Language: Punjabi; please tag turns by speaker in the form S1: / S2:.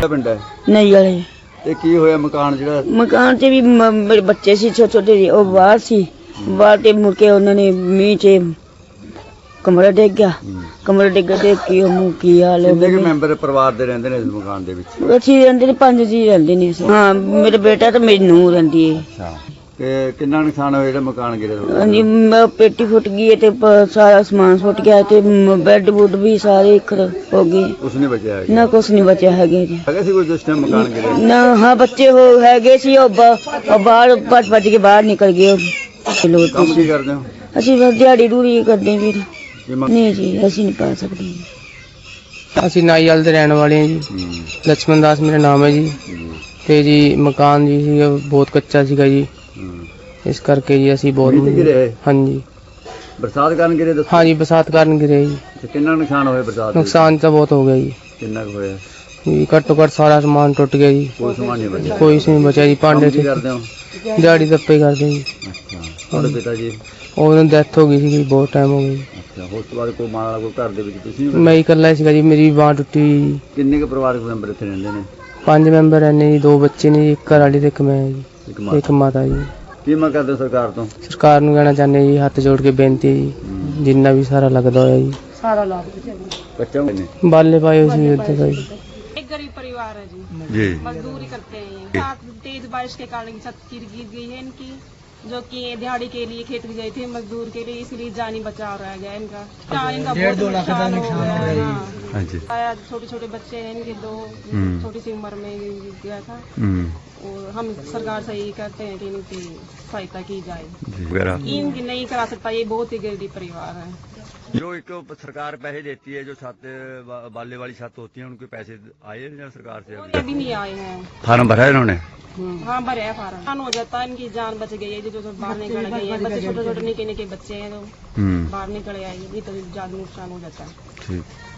S1: ਪਿੰਡ ਹੈ?
S2: ਨਹੀਂ ਵਾਲੇ।
S1: ਤੇ ਕੀ ਹੋਇਆ ਮਕਾਨ ਜਿਹੜਾ?
S2: ਮਕਾਨ 'ਚ ਵੀ ਮੇਰੇ ਬੱਚੇ ਸੀ ਛੋਟੇ ਛੋਟੇ ਜਿਹੇ, ਉਹ ਬਾਹਰ ਸੀ। ਬਾਹਰ ਤੇ ਮੁੜ ਕੇ ਉਹਨਾਂ ਨੇ ਮੀਂਹ 'ਚ ਕਮਰਾ ਡਿੱਗ ਗਿਆ। ਕਮਰਾ ਡਿੱਗ ਤੇ ਕੀ ਹਾਲ ਹੋ
S1: ਕਿੰਨੇ
S2: ਗਿਆ।
S1: ਕੁ ਮੈਂਬਰ ਪਰਿਵਾਰ ਦੇ ਰਹਿੰਦੇ ਨੇ ਇਸ ਮਕਾਨ ਦੇ ਵਿੱਚ?
S2: ਅਸੀਂ ਰਹਿੰਦੇ ਨੇ 5 ਜੀ ਰਹਿੰਦੇ ਨੇ। ਹਾਂ, ਮੇਰਾ ਬੇਟਾ ਤੇ ਮੇਰੀ ਨੂੰਹ ਰਹਿੰਦੀ ਹੈ।
S1: ਅੱਛਾ, ਤੇ ਕਿੰਨਾ ਨੁਕਸਾਨ ਹੋਇਆ ਜਿਹੜਾ ਮਕਾਨ ਗਿਰਿਆ?
S2: ਹਾਂਜੀ, ਪੇਟੀ ਫੁੱਟ ਗਈ ਤੇ ਸਾਰਾ ਸਮਾਨ ਫੁੱਟ ਗਿਆ ਤੇ ਬੈੱਡ ਬੁੱਡ ਵੀ ਸਾਰੇ ਹੋ ਗਏ।
S1: ਕੁਛ ਨਹੀਂ ਬਚਿਆ ਹੈਗਾ?
S2: ਨਾ ਕੁਛ ਨਹੀਂ ਬਚਿਆ ਹੈਗੇ ਜੀ।
S1: ਹੈਗਾ ਸੀ ਕੋਈ ਜਿਸ ਟਾਈਮ ਮਕਾਨ ਗਿਰਿਆ?
S2: ਨਾ, ਹਾਂ ਬੱਚੇ ਹੈਗੇ ਸੀ, ਉਹ ਬਾਹਰ ਭੱਜ ਕੇ ਬਾਹਰ ਨਿਕਲ ਗਏ।
S1: ਕੰਮ ਕੀ ਕਰਦੇ ਹੋ?
S2: ਅਸੀਂ ਬਸ ਦਿਹਾੜੀ ਦੂਰੀ ਕਰਦੇ ਵੀਰ। ਨਹੀਂ ਜੀ, ਅਸੀਂ ਨਹੀਂ ਪਾ ਸਕਦੇ।
S3: ਅਸੀਂ ਨਾਈਵਾਲ ਦੇ ਰਹਿਣ ਵਾਲੇ ਹਾਂ ਜੀ। ਲక్ష్మణ ਦਾਸ ਮੇਰਾ ਨਾਮ ਹੈ ਜੀ। ਤੇ ਜੀ ਮਕਾਨ ਜੀ ਸੀ ਬਹੁਤ ਕੱਚਾ ਸੀਗਾ ਜੀ, ਇਸ ਕਰਕੇ ਜੀ ਅਸੀਂ ਬਹੁਤ। ਹਾਂਜੀ,
S1: ਬਰਸਾਤ ਕਾਰਨ ਗਿਰੇ? ਦੱਸੋ।
S3: ਹਾਂਜੀ, ਬਰਸਾਤ ਕਾਰਨ ਗਿਰੇ ਜੀ।
S1: ਤੇ ਕਿੰਨਾ ਨੁਕਸਾਨ ਹੋਇਆ ਬਰਸਾਤ?
S3: ਨੁਕਸਾਨ ਤਾਂ ਬਹੁਤ ਹੋ ਗਿਆ ਜੀ।
S1: ਕਿੰਨਾ ਕੁ ਹੋਇਆ
S3: ਜੀ? ਘੱਟੋ ਘੱਟ ਸਾਰਾ ਸਮਾਨ ਟੁੱਟ ਗਿਆ ਜੀ।
S1: ਕੋਈ ਸਮਾਨ ਨਹੀਂ ਬਚਿਆ?
S3: ਕੋਈ ਨਹੀਂ ਬਚਿਆ ਜੀ। ਭਾਂਡੇ
S1: ਕੀ ਕਰਦੇ ਹੋ?
S3: ਦਿਹਾੜੀ ਦੱਪੇ ਕਰਦੇ ਜੀ।
S1: ਅੱਛਾ, ਤੁਹਾਡੇ ਪਿਤਾ ਜੀ?
S3: ਉਹਨਾਂ ਦੀ ਡੈਥ ਹੋ ਗਈ ਸੀ, ਬਹੁਤ ਟਾਈਮ ਹੋ ਗਿਆ ਜੀ।
S1: ਅੱਛਾ, ਉਸ ਤੋਂ ਬਾਅਦ ਕੋਈ ਮਾਂ ਵਾਲਾ ਕੋਈ ਘਰ ਦੇ ਵਿੱਚ? ਤੁਸੀਂ
S3: ਮੈਂ ਹੀ ਇਕੱਲਾ ਸੀਗਾ ਜੀ, ਮੇਰੀ ਬਾਂਹ ਟੁੱਟੀ ਜੀ।
S1: ਕਿੰਨੇ ਕੁ ਪਰਿਵਾਰਕ ਮੈਂਬਰ ਇੱਥੇ ਰਹਿੰਦੇ ਨੇ?
S3: 5 ਮੈਂਬਰ ਰਹਿੰਦੇ ਜੀ, 2 ਬੱਚੇ ਨੇ ਜੀ, ਇੱਕ ਘਰ ਵਾਲੀ ਤੇ ਇੱਕ ਮੈਂ ਜੀ, ਇੱਕ ਮਾਤਾ ਜੀ।
S1: ਕੀ ਮੰਗ ਕਰਦੇ ਹੋ ਸਰਕਾਰ ਤੋਂ?
S3: ਸਰਕਾਰ ਨੂੰ ਕਹਿਣਾ ਚਾਹੁੰਦੇ ਜੀ, ਹੱਥ ਜੋੜ ਕੇ ਬੇਨਤੀ ਜੀ, ਜਿੰਨਾ ਵੀ ਸਾਰਾ ਲੱਗਦਾ ਹੋਇਆ ਜੀ।
S2: ਸਾਰਾ ਲਾ
S1: ਕੱਚਾ ਨੇ
S3: ਬਾਲੇ ਪਾਏ ਹੋਏ ਸੀ ਉੱਥੇ ਦਾ ਜੀ।
S4: एक गरीब परिवार है
S1: जी।
S4: मजदूरी करते हैं। साथ तेज बारिश के कारण छत गिर गई है इनकी, जो कि दिहाड़ी के लिए खेत गए थे मजदूर के लिए, इसलिए जानी बचाव रह गया इनका। बहुत नुकसान हो गया। हाँ, छोटे छोटे बच्चे हैं इनके, 2 छोटी सी उम्र में गया था। और हम सरकार से यही कहते हैं कि इनकी सहायता की जाए। इनकी नहीं करा सकता, ये बहुत ही गरीब परिवार है।
S1: जो एक सरकार पैसे देती है, जो छत बाले वाली छत होती है, उनके पैसे आए हैं सरकार से?
S4: अभी नहीं आए हैं।
S1: फार्म भरा है इन्होंने?
S4: हाँ, भरे है फार्म। नुकसान हो जाता है, इनकी जान बच गई है। जो बाहर निकल गए हैं बच्चे, छोटे छोटे निके निके बच्चे हैं, तो बाहर निकल आए, ये तो ज्यादा नुकसान हो जाता है।
S1: ठीक।